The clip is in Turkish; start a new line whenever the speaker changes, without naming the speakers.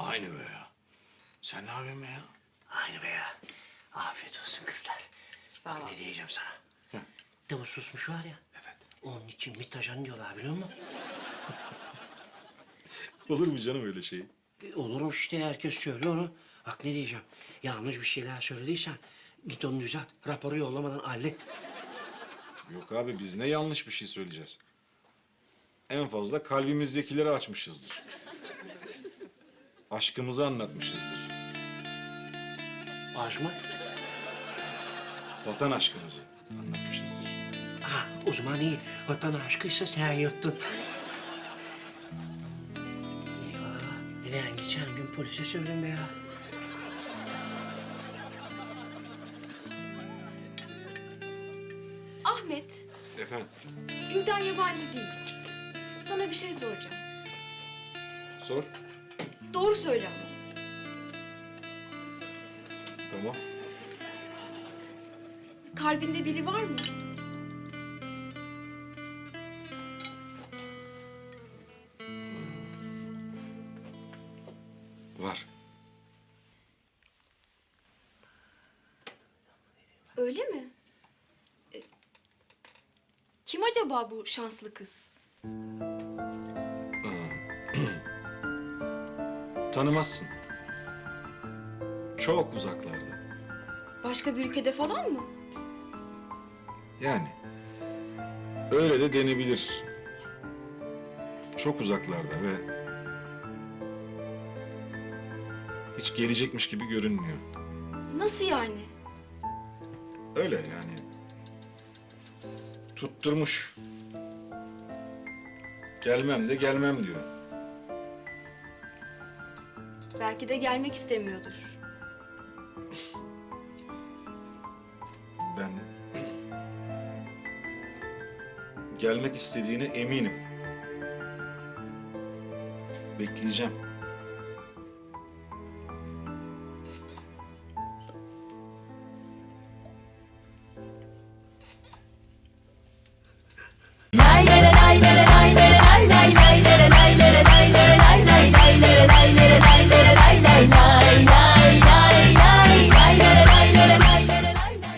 Aynı be ya. Sen ne yapıyorsun be ya?
Aynı be ya. Afiyet olsun kızlar.
Sağ ol.
Ne diyeceğim sana?
Heh.
Davul susmuş var ya.
Evet.
Onun için mitajan diyorlar biliyor musun?
Olur mu canım öyle şey?
Olurmuş işte herkes söylüyor onu. Bak ne diyeceğim. Yanlış bir şeyler söylediysen git onu düzelt. Raporu yollamadan hallet.
Yok abi biz ne yanlış bir şey söyleyeceğiz. En fazla kalbimizdekileri açmışızdır. Aşkımızı anlatmışızdır.
Az mı?
Vatan aşkımızı anlatmışızdır.
Ha o zaman iyi. Vatan aşkıysa sen yırttın. Eyvah. Ben geçen gün polise söyledim be ya.
Ahmet,
Efendim?
Gülden yabancı değil. Sana bir şey soracağım.
Sor.
Doğru söyle ama.
Tamam.
Kalbinde biri var mı?
Var.
Öyle mi? Kim acaba bu şanslı kız?
Tanımazsın. Çok uzaklarda.
Başka bir ülkede falan mı?
Yani. Öyle de denebilir. Çok uzaklarda ve hiç gelecekmiş gibi görünmüyor.
Nasıl yani?
Öyle yani. Tutturmuş. Gelmem de gelmem diyor.
Belki de gelmek istemiyordur.
Ben gelmek istediğine eminim. Bekleyeceğim.